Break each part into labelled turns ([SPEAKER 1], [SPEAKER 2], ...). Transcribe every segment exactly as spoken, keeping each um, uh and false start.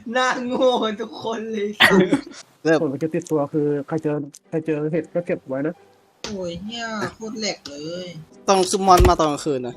[SPEAKER 1] หน้าโง่กันทุกคนเลย
[SPEAKER 2] เริ่ม
[SPEAKER 3] ผลมันจะติดตัวคือใครเจอใครเจอเห็ดก็เก็บไว้นะ
[SPEAKER 1] โอ้ยเฮียโคตรแหลกเลย
[SPEAKER 2] ต้องซุมมอนมาตอนกลางคืนนะ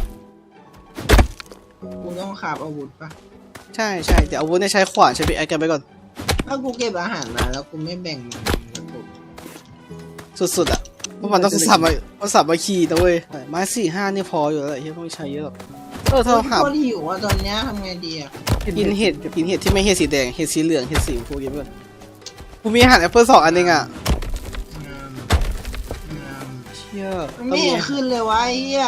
[SPEAKER 1] กูต้องขาบอาวุธปะ
[SPEAKER 2] ใช่ใช่แต่อาวุธเนี่ยใช้ขวานใช้พิกแอคกันไปก่อน
[SPEAKER 1] ถ้ากูเก็บอาหารมาแล้วกูไม่แบ่งมันกู
[SPEAKER 2] สุดๆอ่ะเพราะมันต้องสับมาต้องสับมาขี่นะเว้ยไม้สี่ห้านี่พออยู่แล้วแหละที่ไม่ใช้เยอะหรอกเออถ้าเราหา
[SPEAKER 1] โคตรหิวอ่ะตอนเนี้ยทำไงดีอ่ะ
[SPEAKER 2] กินเห็ดกินเห็ดที่ไม่เห็ดสีแดงเห็ดสีเหลืองเห็ดสีชมพูกินไปก่อนกูมีอาหารแอปเปิลสองอันเองอ่ะ
[SPEAKER 1] งามงาม
[SPEAKER 2] เชี่ย
[SPEAKER 1] มันไม่เห็นขึ้นเลยวะไอ้เฮีย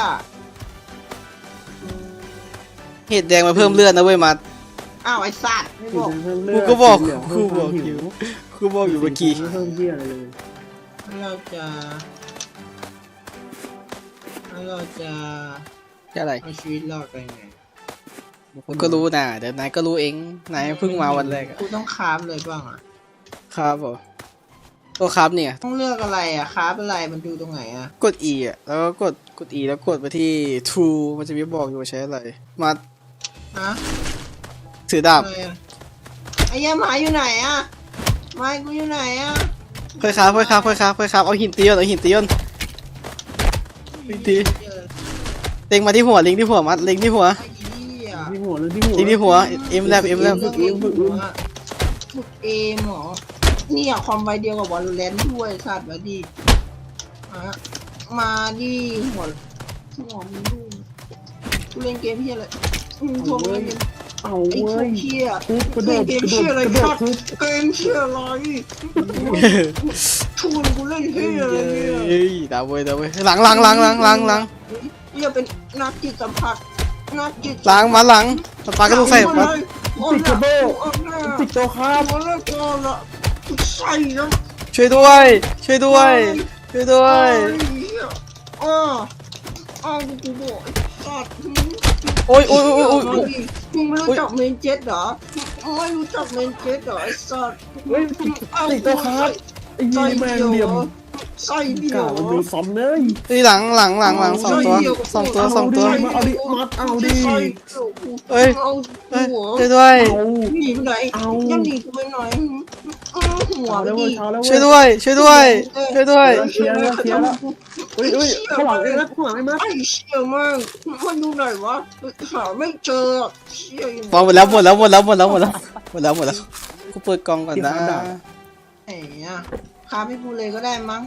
[SPEAKER 2] เห็ดแดงมาเพิ่มเลือดนะเว้ยมา
[SPEAKER 1] อ้าวไอ้สัตว์ไม่บอก
[SPEAKER 2] กูก็บอกกูบอกอยู่กูบอกอยู่เมื่อกี้
[SPEAKER 3] เพิ่มเยี่ยอะไรเลย
[SPEAKER 1] เราจะเราจะ
[SPEAKER 2] อะไร
[SPEAKER 1] เอาชีวิตรอดกันไง
[SPEAKER 2] กูก็รู้นะเดี๋ยวนายก็รู้เองนายเพิ่งมาวันแรกอะ
[SPEAKER 1] กูต้องคราฟเลยบ้างอ่ะ
[SPEAKER 2] ครับผมตัวครับเนี่ย
[SPEAKER 1] ต้องเลือกอะไรอ่ะคราฟอะไรมันดูตรงไหนอ่ะ
[SPEAKER 2] กด E อ่ะแล้วก็กดกด E แล้วกดไปที่ True มันจะมีบอกอยู่ว่าใช้อะไรมา
[SPEAKER 1] ฮะ
[SPEAKER 2] ถือดาบ
[SPEAKER 1] อะไรอ่ะไอ้เหี้ยหมาอยู่ไหนอ่ะไม้กูอยู่ไหนอ่ะ
[SPEAKER 2] ค่อยครับค่อยครับค่อยครับค่อยครับเอาหินตีก่อนเอาหินตีก่อนหินตีเล็งมาที่หัวเล็งที่หัวมัดเล็งที่หัว
[SPEAKER 1] ไอ้เหี้ย
[SPEAKER 3] ที่หัวเลยที่หัว
[SPEAKER 2] เล็งที่หัวเอ็มแลบเอ็มแลบ
[SPEAKER 1] ฝึกเอมฝึกฝึกเอมเหรอนี่อะความไวเดียวกับวอลเลนด้วยสัตว์มาดิมามาดิหัวหัวมึงดูกูเล่นเกมเฮียอะไรอืมทัวร์มึงเล่นเกม
[SPEAKER 3] เอา
[SPEAKER 1] ไอ้
[SPEAKER 3] เว้
[SPEAKER 1] พวย กเฮีย
[SPEAKER 3] ทุบกระโด
[SPEAKER 1] เล่น
[SPEAKER 3] ด
[SPEAKER 1] เกม
[SPEAKER 3] กระโด
[SPEAKER 1] เฮีย
[SPEAKER 3] ด
[SPEAKER 1] อะไร
[SPEAKER 3] กระโด
[SPEAKER 1] ครั
[SPEAKER 3] ด
[SPEAKER 1] บ
[SPEAKER 3] ทุบ
[SPEAKER 1] เกมเฮียอะไรชวนกูเล่นเฮียอะไรเนี่ย
[SPEAKER 2] เฮ้ยดาวเว้ยดาวเว้ยหลังหลังหลังหลังหลังหลัง
[SPEAKER 1] เฮียเป็นนักจิตสัมผัสนักจิต
[SPEAKER 2] หลังมาหลังสปาก็ต้องใส่มา
[SPEAKER 3] ติดกระโดดติดตัวครั
[SPEAKER 1] ข้า
[SPEAKER 3] บ
[SPEAKER 1] วแล้วก็ละใส่แล้ว
[SPEAKER 2] ช่วยด้วยช่วยด้วยช่วยด้วย
[SPEAKER 1] อ้ออ้าวกูบอกไอ้สัตว์
[SPEAKER 2] โอ้ยโอ้ยโอ้ยโอ้ยโอ้ย
[SPEAKER 1] มึงไม่รู้จักเมนเจ็ตเหรอไม่รู้จักเมนเจ็ตเหรอไอ้สัตว์
[SPEAKER 3] เฮ้ยติดตัวครับไอ้ยี่แมงเหลี่ยม
[SPEAKER 1] ใส่เดีย
[SPEAKER 3] กาว มันดูซ้ำเลย
[SPEAKER 2] เฮ้ยหลังหลังหลังหลังสองตัวสองตัวสองตัว
[SPEAKER 3] มาเอาดิมัดเอาดิ
[SPEAKER 2] เฮ้ย
[SPEAKER 1] เอา
[SPEAKER 2] เฮ้ย
[SPEAKER 1] หัว
[SPEAKER 2] ช่วยด้วย
[SPEAKER 3] เอา
[SPEAKER 1] หนีไปไหน
[SPEAKER 3] เอา
[SPEAKER 1] ยังหนีกูไปไหนหัว
[SPEAKER 3] เอาแล้ว
[SPEAKER 1] ดิ
[SPEAKER 3] เว้ยเอาแล้ว
[SPEAKER 2] ช่วย
[SPEAKER 3] เว้ย
[SPEAKER 2] ด้วยช่วยด้วยช่วยด้วย
[SPEAKER 3] เคลียร์แล้วเคลียร์แล้วเฮ้ยเฮ้ยข้างหลังไอ้มัดข้างหลังไอ้มัด
[SPEAKER 1] ไอ้เชี่ยมากมันดูไหนวะหาไม่เจอเชี่ยอยู่
[SPEAKER 2] หมดแล้วหมดแล้วหมดแล้วหมดแล้วหมดแล้วหมดแล้วหมดแล้วกูเปิดกล่องก่อนนะ
[SPEAKER 1] ไอ้อะคาพี่กูเลยก็ได้มั้ง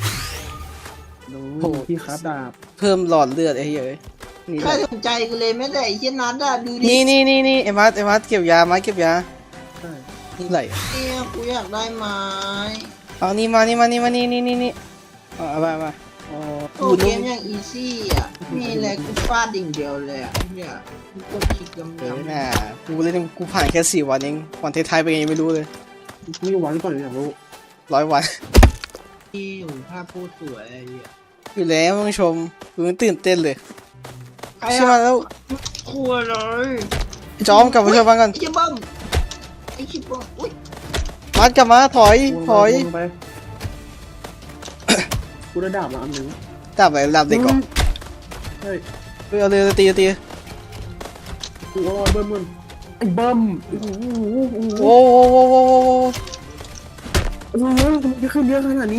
[SPEAKER 3] ดูที่คาดาบ
[SPEAKER 2] เพิ่มหลอดเลือดไอ้เหี้ยนี่
[SPEAKER 1] ใครสนใจกูเลยไม่ได้ไอ้เชี่ยนัดอะดูดิ
[SPEAKER 2] นี่นี่นี่นี่ไอ้มัดไอ้มัดเก็บยามาเก็บยา
[SPEAKER 3] ใช่
[SPEAKER 2] นี่ไหล
[SPEAKER 1] เนี่ยกูอยากได้ไม้
[SPEAKER 2] เอานี่มานี่มานี่มานี่นี่นี่นี่เอาไปมา
[SPEAKER 3] อ๋อ
[SPEAKER 1] โอ้เกมอย่างอีซี่อะมีอะไรกูฟาดดิ่งเดียวเลยอะเนี่ยกูกดคลิกยำ
[SPEAKER 2] เออย
[SPEAKER 1] ำ
[SPEAKER 2] น่ะกูเล่นกูผ่านแค่สี่วันเองวันท้ายๆไปยังไม่รู้เลย
[SPEAKER 3] มีวันก่อนอยากรู้
[SPEAKER 2] ร้อยวัน
[SPEAKER 1] ที่อยู่ภาพพูดสวยไอ้เหี้ย
[SPEAKER 2] อยู่แล้วท่านผู้ชมกูตื่นเต้นเลย
[SPEAKER 1] ใคร
[SPEAKER 2] ใช่ไหม
[SPEAKER 1] อะ
[SPEAKER 2] แล้ว
[SPEAKER 1] ครัวเลย
[SPEAKER 2] จอมกลับมาช่วยบ้างกัน
[SPEAKER 1] ไอ้เชี่ยบ้มไอ้เชี่ยบ้มอุ้ย
[SPEAKER 2] มัดกลับมาถอยถอย
[SPEAKER 3] ไปกูได้ดาบมาอันหนึ่ง
[SPEAKER 2] ดับไปดับเด็กก่อน
[SPEAKER 3] เฮ้ย
[SPEAKER 2] เอาเลยตีตี
[SPEAKER 3] กูรอยเบิ้มมันไอ้เบิ้มโอ้โห
[SPEAKER 2] โอ้โหโอ้โหโอ้โห
[SPEAKER 3] โอ้โหมันจะขึ้นเยอะขนาดนี้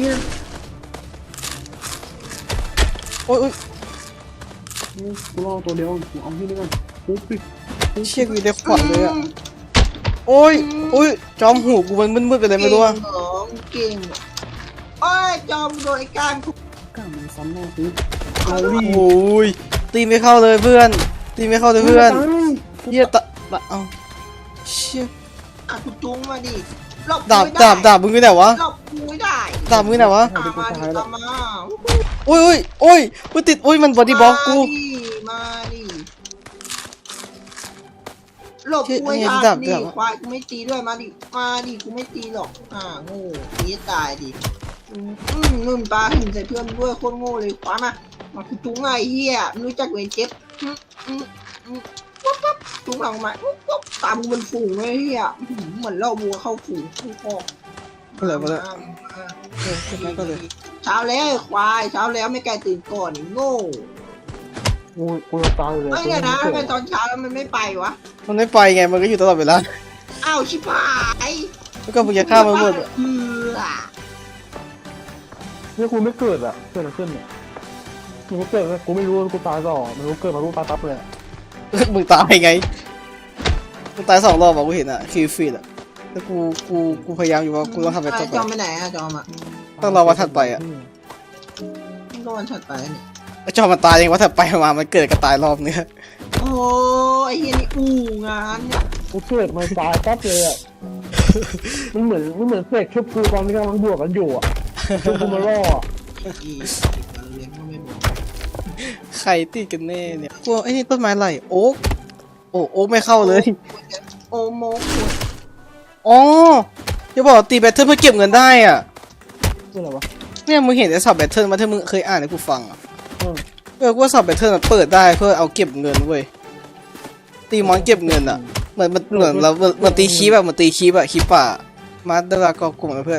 [SPEAKER 2] โอ้ย
[SPEAKER 3] กูรอตัวเดียวกูเอาที่นี่ก่อนปุ๊บปิด
[SPEAKER 2] เชี่ยกูได้ขวานเลยอ่ะโอ้ยโอ้ยจอมหูกูมันมืดๆไปเลยไม่รู้อ่ะ
[SPEAKER 1] เก่งเหรอเก่งโอ้ยจอมโดยการทุก
[SPEAKER 3] กล้ามันซ้ำหน้าซื้อเอาดิ
[SPEAKER 2] โอ้ยตีไม่เข้าเลยเพื่อนตีไม่เข้าเลยเพื่อนเฮียตะเอาเชี่ย
[SPEAKER 1] อ่ะกูจุ้งมาดิหลบ
[SPEAKER 2] ดาบดาบดาบมึงอยู่ไหนวะ
[SPEAKER 1] หลบกูไม่ได้
[SPEAKER 2] ดาบมึงอยู่ไหนวะ
[SPEAKER 1] ตามมาดิตามมา
[SPEAKER 2] โอ้ยโอ้ยโอ้ยกูติดโอ้ยมันบอดี้บล็อกกู
[SPEAKER 1] มาดิมาดิหลบกูไอ้ทางดิควายกูไม่ตีด้วยมาดิมาดิกูไม่ตีหรอกอ่าโง่ตีตายดิอืมนุ่นปลาหินใส่เพื่อนด้วยโคตรโง่เลยขวามามากูจุ้งไงเฮียไม่รู้จักเวรเจ็บอืมอืมอืมปุ๊บปุ๊บจุ้งหลังมาปุ๊บปุ๊บตามกูเป็นฝูงเลยเฮียอื้อหือเหมือนเล่าบัวเข้าฝูงกูพอ
[SPEAKER 2] ก็เลยมาเลยเออขึ้นมาก็เลย
[SPEAKER 1] เช้าแล้วไอ้ควายเช้าแล้วไม่ไกลตื่นก่อนไอ้โง่
[SPEAKER 3] กูกูจะตายเลย
[SPEAKER 1] ไม่ไงนะทำไมตอนเช้าแล้วมันไม่ไปวะ
[SPEAKER 2] มันไม่ไปไงมันก็อยู่ตลอดเวลา
[SPEAKER 1] เอ้าาวชิบหาย
[SPEAKER 2] แล้วก็มึงจะฆ่ามันหมดอะ
[SPEAKER 1] เออ
[SPEAKER 3] เนี่ยกูไม่เกิดอะเกิดอะไรขึ้นเนี่ยกูเกิดกูไม่รู้กูตายต่อมันรู้เกิดมารู้ตายปั๊บเลย
[SPEAKER 2] มึงตายไงมึงตายสองรอบอะกูเห็นอะคิวฟีดอะแล้วกูกูกูพยายามอยู่ว่ากูต้องทำแบบต่อไป
[SPEAKER 1] จอมไปไหนอะจอมอะ
[SPEAKER 2] ต้องรอวันถัดไปอะ
[SPEAKER 1] ก็วันถัดไปเนี่ย
[SPEAKER 2] ไอ้จอมันตายเองว่าถ้าไปมามันเกิดกระตายรอบเนี้ย
[SPEAKER 1] โอ้ไอ้เฮียนี่อู้งานเนี่ย
[SPEAKER 3] กูเกิดมาตายปั๊บเลยอะมันเหมือนมันเหมือนเสกชุบกูตอนที่กำลังบวกกันอยู่อะชุบกูมาล่ออะ
[SPEAKER 1] อีกวันเลี้ยงก็ไม่บอก
[SPEAKER 2] ใครติดกันแน่เนี่ยกลัวไอ้นี่ต้นไม้ไรโอ๊กโอ้โอ๊กไม่เข้าเลย
[SPEAKER 1] โอโมกุ
[SPEAKER 2] อ๋ออย่าบอกว่าตีแบตเทิลเพื่อเก็บเงินได้อ่ะ
[SPEAKER 3] คืออะไรวะ
[SPEAKER 2] เนี่ยมึงเห็นไอ้สับแบตเทิลมาที่มึงเคยอ่านให้กูฟังอ่ะ
[SPEAKER 3] อืม
[SPEAKER 2] เออกูว่าสับแบตเทิลมันเปิดได้เพื่อเอาเก็บเงินเว้ยตีมอนเก็บเงินอ่ะเหมือนมันเหมือนเราเหมือนตีคีบแบบเหมือนตีคีบอะคีบป่ามาเดลากอกลุ่มกับเพื่อน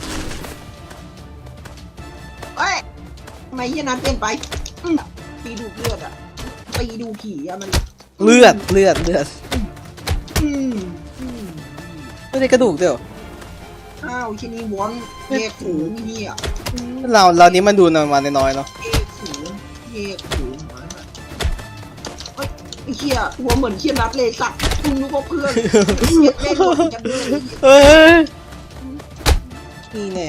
[SPEAKER 1] เอ้ยทำไมเฮียนั้นเปลี่ยนไปอืมปีดูเลือดอะปีดูผีอะมัน
[SPEAKER 2] เลือดเลือดเลือด
[SPEAKER 1] อืมอืม
[SPEAKER 2] ไม่ได้กระดูกเดียว
[SPEAKER 1] อ้าวที่นี่วอนแยกหูเฮียอืม
[SPEAKER 2] เราเรานี้มันดูนมาน้อยๆเนาะ
[SPEAKER 1] แยกหูแยกหูหมาน่ะเฮ้ยไอ้เฮียหัวเหมือนเฮียนัดเลยสัตว์คุณนึกว่าเพื่อนเฮียเล่นหมดจังเลย
[SPEAKER 2] เอ้ยนี่แน่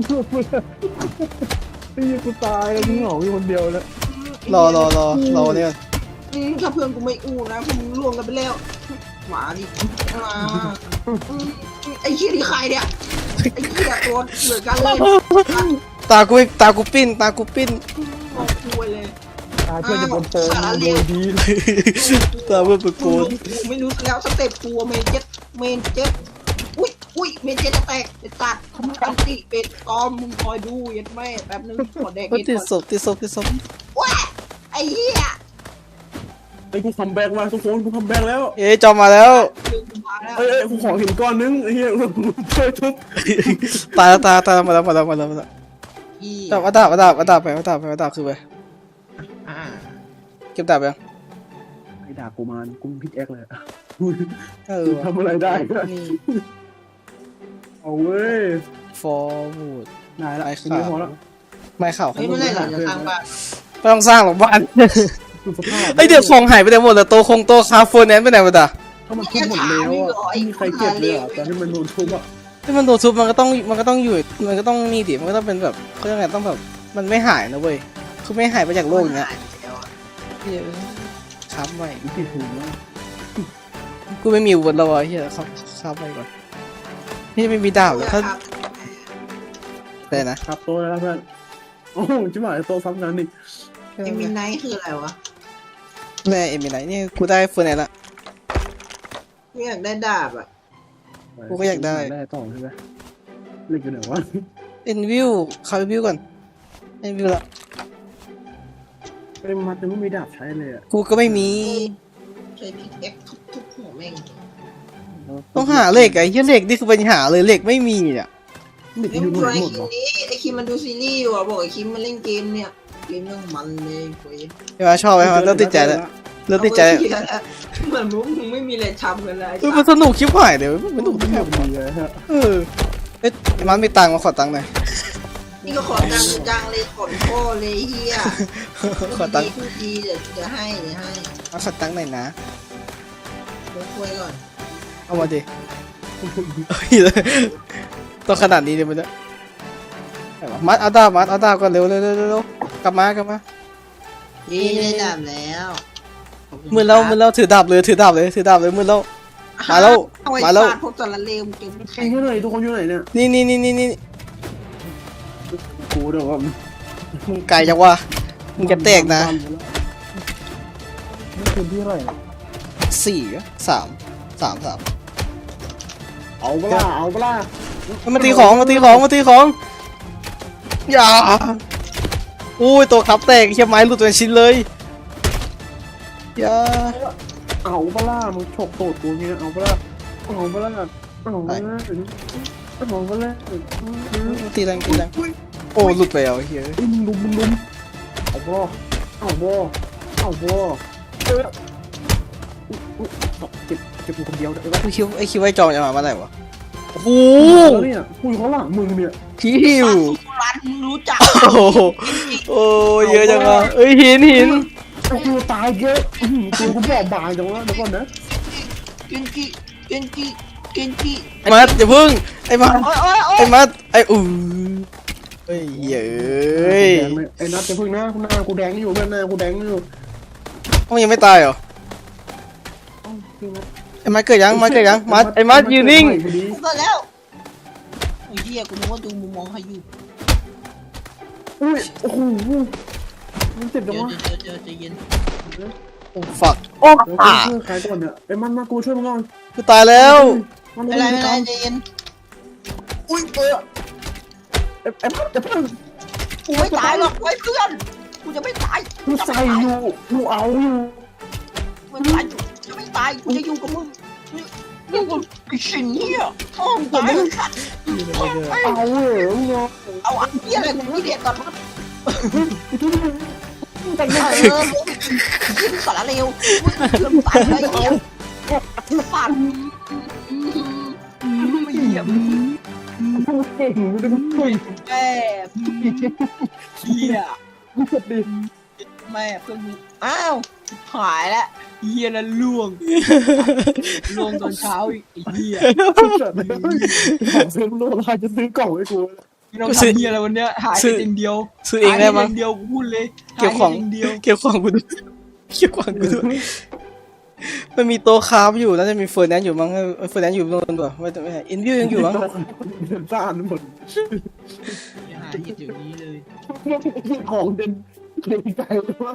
[SPEAKER 3] ไอ้กูตายแล้วมึงเหงาอยู่คนเดียวแล้ว
[SPEAKER 2] รอรอรอรอเนี่ย
[SPEAKER 1] อืมถ้าเพื่อนกูไม่อู้นะพวกมึงล่วงกันไปแล้วหมาดิมาอืมไอ้เฮียนี่ใครเนี่ยไอ้เฮียตัวเหมือนกันเลย
[SPEAKER 2] ตากูตากูปิ้นตากูปิ้น
[SPEAKER 1] มองคุยเลย
[SPEAKER 3] ตายเพื่อนจะโดนโปงโดนดี
[SPEAKER 2] ตาเพื่อนปะโกน
[SPEAKER 1] กูไม่รู้แล้วสเต็ปตัวเมนเจ็ตเมนเจ็ตอุ้ยอุ้ยเมนเจ็ตจะแตกเป็นตัดอันติเป็ดตอมมึงคอยดูยัดแม่แป๊บนึงขอแดก
[SPEAKER 2] ก็
[SPEAKER 1] นิด
[SPEAKER 2] ติด
[SPEAKER 1] ก่อน
[SPEAKER 2] ศพติดศพติดศพ
[SPEAKER 1] ว้าไอ้เหี้ย
[SPEAKER 3] ไอ้กูคัมแบ็กมาทุกคนกูคัมแบ็กแล้ว
[SPEAKER 2] เอ้ยจอมมาแล้ว
[SPEAKER 1] ลืมกูมาแล้ว
[SPEAKER 3] เอ้ยกูขอหินก้อนนึงไอ้เหี้ยช่วยทุบ
[SPEAKER 2] ตายแล้วตายตายมาแล้วมาแล้วมาแล้วมาแล้ว
[SPEAKER 1] อี
[SPEAKER 2] ดาบดาบดาบดาบไปดาบไปดาบคือไป
[SPEAKER 1] อ่า
[SPEAKER 2] เก็บดาบยัง
[SPEAKER 3] ไอ้ด่ากูมากูพิกแอคเลย
[SPEAKER 2] เออ
[SPEAKER 3] ทำอะไรได้
[SPEAKER 2] นี่
[SPEAKER 3] เอาเว้ย
[SPEAKER 2] ฟอร์วูด
[SPEAKER 3] นายละ
[SPEAKER 2] ไอ้
[SPEAKER 3] ไอ้
[SPEAKER 2] ข่า
[SPEAKER 3] ขาว วแล้ว
[SPEAKER 2] ไม่ข่าว
[SPEAKER 1] เฮ้ยเมื่อไหรเราจะสร้างบ้าน
[SPEAKER 2] ไม่ต้องสร้างหรอกบ้าน
[SPEAKER 3] ดูสภาพ
[SPEAKER 2] ไอเดี๋ยวของหายไปไหนหมดเลยโตคงโตคาโฟนแนนไปไหนหมดอ่ะ
[SPEAKER 3] ถ้ามันทุบหมดแล้วอ่ะไม่มีใครเก็บเลยอ่ะตอนที่มันโดนทุบอ่ะ
[SPEAKER 2] ที่มันโดนทุบมันก็ต้องมันก็ต้องอยู่มันก็ต้องนี่ดิมันก็ต้องเป็นแบบเขาเรียกไงต้องแบบมันไม่หายนะเว้ยคือไม่หายไปจากโลกอย่างเงี้ยเหี้ยครับไว้
[SPEAKER 3] มันติดหูนะ
[SPEAKER 2] กูไม่มีอาวุธแล้ววะเฮียครับครับไว้ก่อนนี่ไม่มีดาบเลยถ้าแต่นะครับ
[SPEAKER 3] โตแล้วเพื่อนโอ้จิ๋วหายโตซ้ำกันนี่
[SPEAKER 1] เอ็มินไนท์คืออะไรวะ
[SPEAKER 2] แม่เอ็มมีไหนนี่กูได้เฟอร์แนนละ
[SPEAKER 1] กูอยากได้ดาบอ่ะ
[SPEAKER 2] กูก็อยากได้
[SPEAKER 3] ได้ต่อใช่ไหมเล่นกันไหนวะ
[SPEAKER 2] เอ็นวิวคาร์วิวก่อนเอ็นวิวละ
[SPEAKER 3] ไอ้มัดยังไม่มีดาบใช้เลยอ่ะ
[SPEAKER 2] กูก็ไม่มี
[SPEAKER 1] ใช้พิกเอ็กทุบทุบหัวแม่ง
[SPEAKER 2] ต้องหาเหล็กไอ้เหี้ยเหล็กนี่คือปัญหาเลยเหล็กไม่มีอ่ะ
[SPEAKER 3] เด็ก
[SPEAKER 1] ไอ้
[SPEAKER 3] อยู่
[SPEAKER 1] มึง
[SPEAKER 3] ไหน
[SPEAKER 1] ไอ้
[SPEAKER 3] หมด
[SPEAKER 1] คิม
[SPEAKER 3] วะ
[SPEAKER 1] นี้ไอ้คิมมันดูซีรีส์อยู่อ่ะบอกไอ้คิมมันเล่นเกมเนี่ยเกมเรื่องมันเลยเว้ย
[SPEAKER 2] ใช่ไหมชอบไหมมันเริ่มติดใจแล้วเริ่มติดใจ
[SPEAKER 1] เอาไว้เหี้ยแล้วเหมือนมึงมึงไม่มีอะไรทำกันเลย
[SPEAKER 2] เออมันสนุกชิบหายเดี๋ยวมันสนุก
[SPEAKER 3] ไม่
[SPEAKER 2] แบ
[SPEAKER 3] แบบ บดีเลยฮะ
[SPEAKER 2] เออเอ๊ะมันมีตังค์มาขอตังค์หน่อย
[SPEAKER 1] นี่ก็ขอตังค์จังเลยขนพ่อเลยเฮีย
[SPEAKER 2] ขอตังค์
[SPEAKER 1] พูดดีเดี๋ยวจะให้เดี๋ยวให้
[SPEAKER 2] มาขอตังค์หน่อยนะ
[SPEAKER 1] เดี๋ยวคุยก่อน
[SPEAKER 2] เอามาดิเฮ้ยต้องขนาดนี้เลยมันจะมัดเอาดาบมัดเอาดาบก่อนเร็วเร็วเร็วเร็วกลับมากลับมา
[SPEAKER 1] นี่ได้ดาบแล้วขบคุณ
[SPEAKER 2] มือเรามือเราถือดาบเลยถือดาบเลยถือดาบเลยมือเรา มาแล้ว
[SPEAKER 1] เอาไว้
[SPEAKER 2] มาแล้ว
[SPEAKER 1] ฟดพวกจระเลวมึงเก่ง
[SPEAKER 3] ใครอยู่ไหนทุกคนอยู่ไหนเนี่ย
[SPEAKER 2] นี่นี่นี่นี่นี่
[SPEAKER 3] กูเดี๋ยวว่า
[SPEAKER 2] มึงไกลจังวะมึงจะแตกนะ
[SPEAKER 3] นี่คืนที่อะไร
[SPEAKER 2] สี่สามสามสาม
[SPEAKER 3] เอาเปล่าเอาเปล่า
[SPEAKER 2] มาตีของมาตีของมาตีของอย่าอุ้ยตัวขับแตกเชี่ยไม้หลุดเป็นชิ้นเลยอย่า
[SPEAKER 3] เอาเปล่ามึงฉกโตดกูเงี้ยเอาเปล่าเอาเปล่าเอาเปล่าเอาเปล่า
[SPEAKER 2] ตีแรงตีแรงโอ้หลุดไปแล้วเฮ้ย
[SPEAKER 3] มึงลุมมึงลุมเอาเปล่าเอาเปล่าเอาเปล่าเออเจ็บเก็บกูคนเดียวเดี๋ยว
[SPEAKER 2] กูคิดไอ้คิดว่าไอ้จอมจะมาเมื่อไหร่วะโอ้โห
[SPEAKER 3] แล้วเนี่ยกูอยู่ข้างหลังมึงเนี่ย
[SPEAKER 2] คิว
[SPEAKER 1] รันมึงรู้จัก
[SPEAKER 2] โอ้โหโอ้เยอะจังอ่ะเอ้ยหินหิน
[SPEAKER 3] ไอ้กูตายเยอะกูกูบอกบางจังวะเดี๋ยวก่อนนะ
[SPEAKER 1] เกนจิเกนจิเกนจิ
[SPEAKER 2] ไอ้มัดอย่าพึ่งไอ้มัด
[SPEAKER 1] โอ้ยโอ้ยโอ้
[SPEAKER 2] ไอ้
[SPEAKER 1] ย
[SPEAKER 2] มัดไอ้อู้เฮ้ยเย้ย
[SPEAKER 3] ไอ้นัทจะพึ่งหน้าหน้ากูแดงอยู่เพื่อนหน้ากูแดงอยู่
[SPEAKER 2] มันยังไม่ตายเหรอไอ้มัดเกิดยังมัดเกิดยังมัดไอ้มัดยืนนิ่ง
[SPEAKER 1] กูเกิดแล้วโอ้ยเหี้ยกูนึกว่าดูมุมมองใครอยู่
[SPEAKER 3] อุ้ยโอ้โหมันเจ็บจัง
[SPEAKER 1] เดี๋ยว
[SPEAKER 3] วะ
[SPEAKER 1] เดี๋ยวเดี๋ยวใจเย็น
[SPEAKER 2] โอ้ฝักโอ้
[SPEAKER 3] เดี๋ยว
[SPEAKER 2] อ่ะ
[SPEAKER 3] กูช่วยใครก่อนเนี่ยไอ้มันมากูช่วยมึงก่อน
[SPEAKER 2] กูตายแล้ว
[SPEAKER 3] มัน
[SPEAKER 1] ไม่เป็นไรไม่เป็นไรใจเย็น
[SPEAKER 3] อุ้ยเออไอ้ไอ้มันจะพึ่ง
[SPEAKER 1] กูไม่ตายหรอกไว้เพื่อนกูจะไม่ตาย
[SPEAKER 3] กูใส่อยู่กูเอาอยู่
[SPEAKER 1] ไม่ตายจะไม่ตายกูจะอยู่กับมึงนี่กูไอ้สิ่งเนี้ยท้องตายขัด
[SPEAKER 3] เอาเหรอมึงเอา
[SPEAKER 1] เอาอันเนี้ยอะไรกูไม่เด็ดก่อนมั้ง
[SPEAKER 3] แต่ง
[SPEAKER 1] เอ
[SPEAKER 3] หน้า
[SPEAKER 1] อยิงสารเร็วเริ่มตายอะไรเงี้ยฝันไม่เหยียบ
[SPEAKER 3] กูเก่งกูจะพึ่ง
[SPEAKER 1] แม่เฮีย
[SPEAKER 3] กูเจ็บดิ
[SPEAKER 1] แม่เพื่อนมึงอ้าวหายแล้วเฮียนั่นล่วงล่วงตอนเช้าอีกไอ้เฮีย
[SPEAKER 3] ของซื้อโลลาจะซื้อกล่องให้กู
[SPEAKER 1] ไม่ต้องทำเฮียอะไรวันเนี้ยหายไปเองเดียว
[SPEAKER 2] ซื้อเองได้มั้ง
[SPEAKER 1] หายปเดียวกูพูดเลย
[SPEAKER 2] เก็บของ
[SPEAKER 1] หายไปเดียว
[SPEAKER 2] เก็บของกูด้วยเก็บของกูด้วยมันมีโต๊ะคราฟอยู่น่าจะมีเฟอร์แนนซ์อยู่มั้งเฟอร์แนนซ์อยู่โน่นด้วยไม่ไม่อินวิวยังอยู่มั้ง
[SPEAKER 3] เดินซ่านหมด
[SPEAKER 1] หายเดี๋ยวนี้เลย
[SPEAKER 3] ของเดินเดินไกลว่า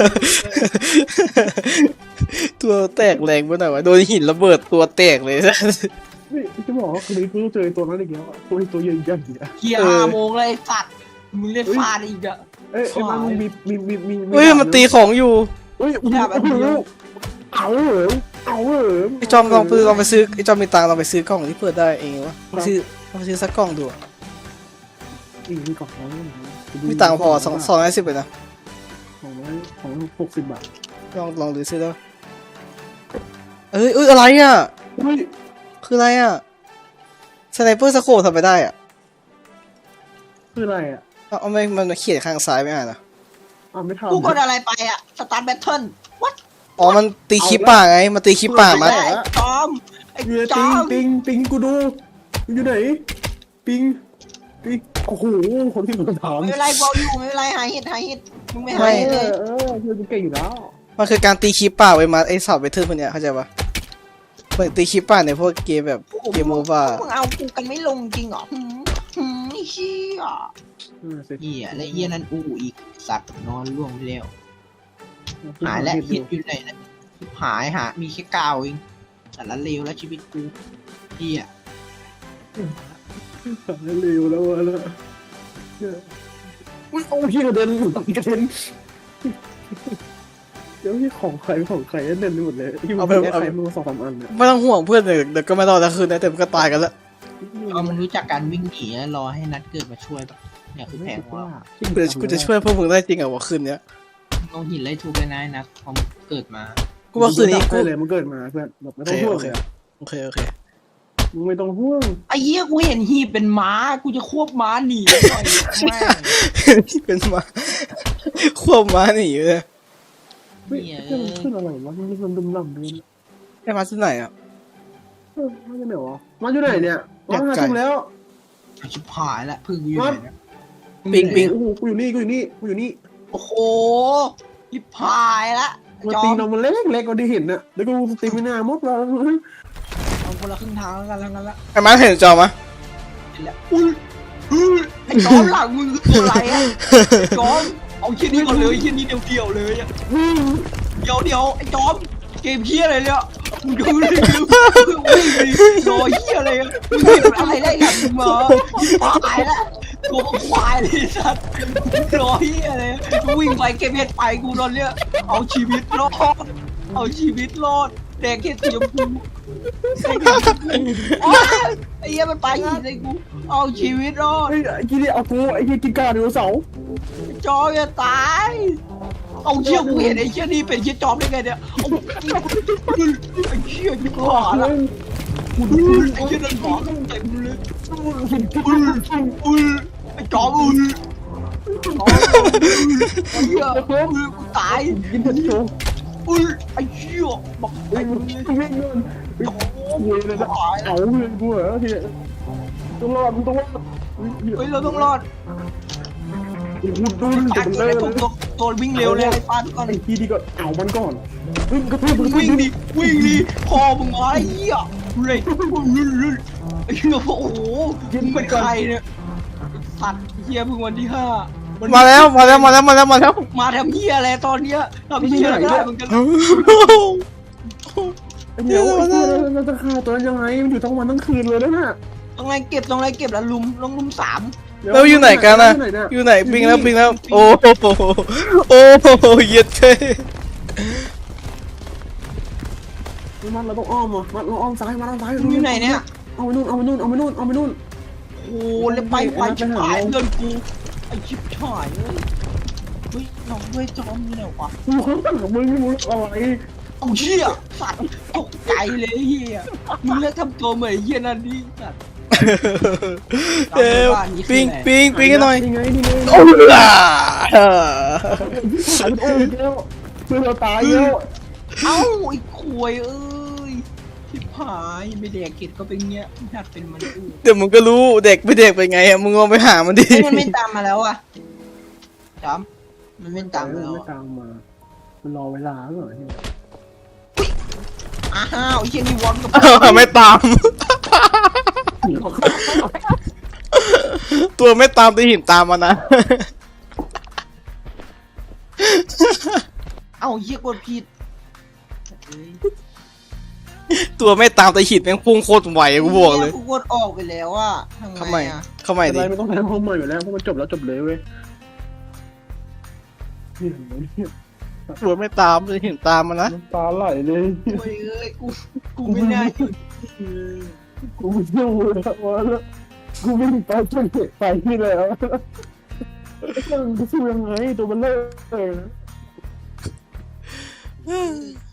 [SPEAKER 2] ตัวแตกแรงไปหน่อยวะโดนหินระเบิดตัวแตกเลย
[SPEAKER 3] นี่จะบอกว่าคืนนี้กูเจอตัวนั้นอีกแล้วตัวตัวใหญ่ใหญ่อะ
[SPEAKER 1] เฮียห้าโมงเลยสัตว์มึงเล่นฟาดอีกอะ
[SPEAKER 3] เอ้ยไอ้มันมีมีมีมี
[SPEAKER 2] เฮ้ยมันตีของอยู่
[SPEAKER 3] เฮ้ยเอาเหรอเอาเหรอ
[SPEAKER 2] ไอจอมลองไปลองไปซื้อไอจอมมีตังค์ลองไปซื้อกล่องที่เปิดได้เองวะไปซื้อลองไปซื้อสักกล่องดูอะ
[SPEAKER 3] อีมีกล่องน้อย
[SPEAKER 2] มีตังค์พอสองสองร้อยสิบเลยนะ
[SPEAKER 3] ของน้อยของหกสิบบาท
[SPEAKER 2] ลองลองดูซื้อแล้วเอ้ยเอ้ยอะไรอ่ะ
[SPEAKER 3] เฮ้ย
[SPEAKER 2] คืออะไรอ่ะสไนเปอร์สโคปทำไปได้อ่ะ
[SPEAKER 3] คืออะไรอ่ะ
[SPEAKER 2] เอาเอาไม่มันเขียนข้างซ้ายไม่อ่านอ่ะ
[SPEAKER 3] อ่าไม่ทำ
[SPEAKER 1] กูกดอะไรไปอะสตาร์ทแบทเทิลวัด
[SPEAKER 2] อ๋อมันตีคลิปป่าไงมันตีคลิปป่ามา
[SPEAKER 1] ไอ้จอมไอ้
[SPEAKER 3] อยู่ใน
[SPEAKER 1] จ
[SPEAKER 3] ปิ
[SPEAKER 1] อง ม
[SPEAKER 3] ปิงปิงกูดูอยู่ไหนปิงปิงโอ้โหคนที่มาถาม
[SPEAKER 1] ไม่เป็นไรกูเอาอยู่ไม่เป็นไรหายเห็ดหายเห็ดมึงไม่
[SPEAKER 3] เอ
[SPEAKER 1] หายเห็ดเล
[SPEAKER 3] อย เออคือกูเก่งอยู่แล้ว
[SPEAKER 2] มันคือการตีคลิปป่าไว้มาไอสาวเบทเทิลคนเนี้ยเข้าใจปะเหมือนตีคลิปป่าในพวกเกมแบบเกมโมบ้า
[SPEAKER 1] มึงเอากูกันไม่ลงจริงเหรอหืมหืมไอ้เชี่ย
[SPEAKER 3] เออสิ
[SPEAKER 1] เหี้ยและเหี้ยนั่นอู้อีกสัตว์นอนล่วงไปแล้วหายแล้วเหี้ยอยู่ไหนนะหายหามีแค่กาวเองแต่ละเลวแล้วชีวิตกูเหี้ย
[SPEAKER 3] เร็วแล้ววะแล้วอุ้ยโอ้ยกระเด็นกระเด็นเดี๋ยวนี่ของใครของใครเด่นไปหมดเลยที่มันเป็นใครมือสองสามอันเนี่ย
[SPEAKER 2] ไม่ต้องห่วงเพื่อนเดี๋ยวเดี๋ยวก็ไม่รอดแล้วคืนนะแต่มันก็ตายกันแล้ว
[SPEAKER 1] เอามันรู้จักการวิ่งหนีแล้วรอให้นัดเกิดมาช่วยปะเนี่ยคือแผนของเรา
[SPEAKER 2] กูจะกูจะช่วยพวกมึงได้จริงเหรอวะคืนเนี้ย
[SPEAKER 1] เอาหินไล่ทุบเลยนะไอ้นัดพอมันเกิดมา
[SPEAKER 2] กูว่าคืนนี้กู
[SPEAKER 3] ได้เลยมันเกิดมาเพื่อนแบบไม่
[SPEAKER 2] โอ
[SPEAKER 3] ต้อ
[SPEAKER 2] เค
[SPEAKER 3] งห่ว
[SPEAKER 2] โอง เคโอเคโอเค
[SPEAKER 3] มึงไม่ต้องห่วง
[SPEAKER 1] ไอ้เหี้ยกูเห็นหีบเป็นม้ากูจะควบม้าหนีหน่อยแม่ง
[SPEAKER 2] เป็นมาควบม้าหนีเลย
[SPEAKER 3] เฮ้ยมันขึ้นอะไรวะมันมันดุมล่ำเลย
[SPEAKER 2] ไอ้มาที่ไหนอ่ะ
[SPEAKER 3] เออมาจากไหนวะมาอยู่ไหนเนี่ยมาหาจุ่มแล้ว
[SPEAKER 1] ชิบหายละพึ่งกูอยู่ไหนเนี่ย
[SPEAKER 2] ปิงปิง
[SPEAKER 3] โอ้โหกูอยู่นี่กูอยู่นี่กูอยู่นี่
[SPEAKER 1] โอ้โหชิบหายละ
[SPEAKER 3] มัน
[SPEAKER 1] จอ
[SPEAKER 3] ตี
[SPEAKER 1] ม
[SPEAKER 3] นมันเล็กเล็กกว่าที่เห็นน่ะเดี๋ยวกูตีไม่น่ามุดแล้ว
[SPEAKER 1] เอาคนละครึ่งทางแล้วกันแล้วกันละ
[SPEAKER 2] ไอ้มาเห็นจอมะ
[SPEAKER 1] เห็นแล้วอุ้ยอุ้ยไอ้จอมหลังมึงคือตัวอะไรอะจอมเอาชิ้นนี้ก่อนเลยชิ้นนี้เดียวๆเลยอะเดี๋ยวเดี๋ยวไอ้จอมเกมเฮียอะไรเนี่ยมึงดูเลยดูวิ่งไปรอเฮียอะไรอะมึงเป็นอะไรได้หลังมึงมาตายละตัวควายเลยสัตว์รอเฮียอะไรวิ่งไปเก็บเห็ดไปกูตอนเนี้ยเอาชีวิตรอดเอาชีวิตรอดแดกเห็ดสีชมพูโอ๊ยไอ้เหี้ยมันไปหินเลยกูเอาชีวิตรอด
[SPEAKER 3] ไอ้ไอ้กี้นี่เอากูไอ้กี้กินกาเดียวเสา
[SPEAKER 1] จอจะตายเอาเชี่ยกูเห็นไอ้เชี่ยนี่เป็นเชี่ยจอมได้ไงเนี่ยเอาไอ้เชี่ยกูหาละไอ้เชี่ยนั่นหมอเต็มเลยอุ้ยไอ้จอมอุ้ยไอ้เหี้ยกูตาย
[SPEAKER 3] กินแต่โชว์
[SPEAKER 1] อุ้ยไอ้เชี่ยบอก
[SPEAKER 3] ไอ้
[SPEAKER 1] ไอ้
[SPEAKER 3] มึง
[SPEAKER 1] เนี่ย
[SPEAKER 3] ไม่เงิน
[SPEAKER 1] จอม
[SPEAKER 3] เว้ยเลยนะเอาเลยกูเหรอที่ต้องรอดมึงต้องรอด
[SPEAKER 1] เฮ้ยเราต้องรอด
[SPEAKER 3] กูดู
[SPEAKER 1] ฟา
[SPEAKER 3] จะ
[SPEAKER 1] ด
[SPEAKER 3] เป็น
[SPEAKER 1] เล
[SPEAKER 3] เลย ย
[SPEAKER 1] ตัวตัวตัววิ่งเร็วเลยไอ้ฟาดก่อน
[SPEAKER 3] ไอ้ทีดีก็เอามันก่อนวิ่งกระทืบมึง
[SPEAKER 1] วิ่งดิวิ่งดิคอมึงมาไอ้เหี้ยเลยไอ้เหี้ยโอ้โหมึงเป็นใครเนี่ยสัตว์เหี้ยเพิ่งวันที่ห้า
[SPEAKER 2] มาแล้วมาแล้วมาแล้วมาแล้วมาแล้ว
[SPEAKER 1] มาทำเหี้ยอะไรตอนเนี้ยทำเหี้ยอะไรได้มึงกัน
[SPEAKER 3] เดี๋ยวไอ้ทีเราจะฆ่าตัวยังไงมันอยู่ทั้งวันทั้งคืนเลยนะน่ะ
[SPEAKER 1] ต้องไล่เก็บต้องไล่เก็บแล้วลุมลงลุมสาม
[SPEAKER 2] แล้วอยู่ไหนกันนะอยู่ไหนปิงแล้วปิงแล้วโอ้โหโอ้โหเย็ดเท่
[SPEAKER 3] มันเราต้องอ้อมอ่ะมันเราอ้อมซ้ายมาอ้อมซ้าย
[SPEAKER 1] มึงอยู่ไหนเนี่ย
[SPEAKER 3] เอาไปนู่นเอาไปนู่นเอาไปนู่นเอาไปนู่น
[SPEAKER 1] โอ้แล้วไปไปชิบหายเพื่อนกูไอ้ชิบหายเลยเฮ้ยน้องด้วยจอมอยู่ไหนวะ
[SPEAKER 3] กูเขาตั้งกับมึงไม่รู้อะไร
[SPEAKER 1] เอาเหี้ยสัตว์ตกใจเลยเหี้ยมึงเลิกทำตัวเหมือนเหี้ยนั่นดิสัตว์
[SPEAKER 2] เอ้ยปิงปิงปิงกันหน่อย
[SPEAKER 3] นี่ไงนี่ไง
[SPEAKER 2] โอ้ล่ะ
[SPEAKER 3] หายโอ้ยแล้วเพื่อนเราตายแล้ว
[SPEAKER 1] เอ้าไอ้ควยเอ้ยชิบหายไม่แดกเกตก็เป็นเงี้ยหัดเป็นมันอื่น
[SPEAKER 2] เดี๋ยวมึงก็รู้เด็กไม่เด็กเป็นไงอะมึงลองไปหามันดิ
[SPEAKER 1] มันไม่ตามมาแล้วอ่ะจอมมันไม่ตามมาแล้ว
[SPEAKER 3] ไม่
[SPEAKER 1] อะ
[SPEAKER 3] ตามมามันรอเวลาเหรอ
[SPEAKER 1] อ้าวไอ้เหี้ยนี่วอนกับ
[SPEAKER 2] ไม่ตาม ตัวไม่ตามตีหินตามมานะ
[SPEAKER 1] เอ้าเหี้ยกดผิดเอ้ย
[SPEAKER 2] ตัวไม่ตามตีหินแม่งพุ่งโคตรไวกูบอกเลย
[SPEAKER 1] กูกดออกไปแล้วอ่ะทำ
[SPEAKER 2] เข้า
[SPEAKER 1] ไง
[SPEAKER 2] ใหม่
[SPEAKER 1] อ่ะ
[SPEAKER 2] เข้าใหม่
[SPEAKER 3] อะไร
[SPEAKER 2] ดิ
[SPEAKER 3] ไม่ต้องแทนห้องใหม่อยู่แล้วเพราะมันจบแล้วจบเลยเว้ยนี่เห็นไหมเนี่ย
[SPEAKER 2] ตัวไม่ตามตีหินตามมานะ
[SPEAKER 3] น้ำตาไหลเลย
[SPEAKER 1] โอ้ยเอ้ยกูกูไม่น่าหยุด
[SPEAKER 3] กูไม่สู้แล้ววะแล้วกูไม่มีไปจนเด็กไปที่แล้วกูสู้ยังไงตัวมันเลิกเลย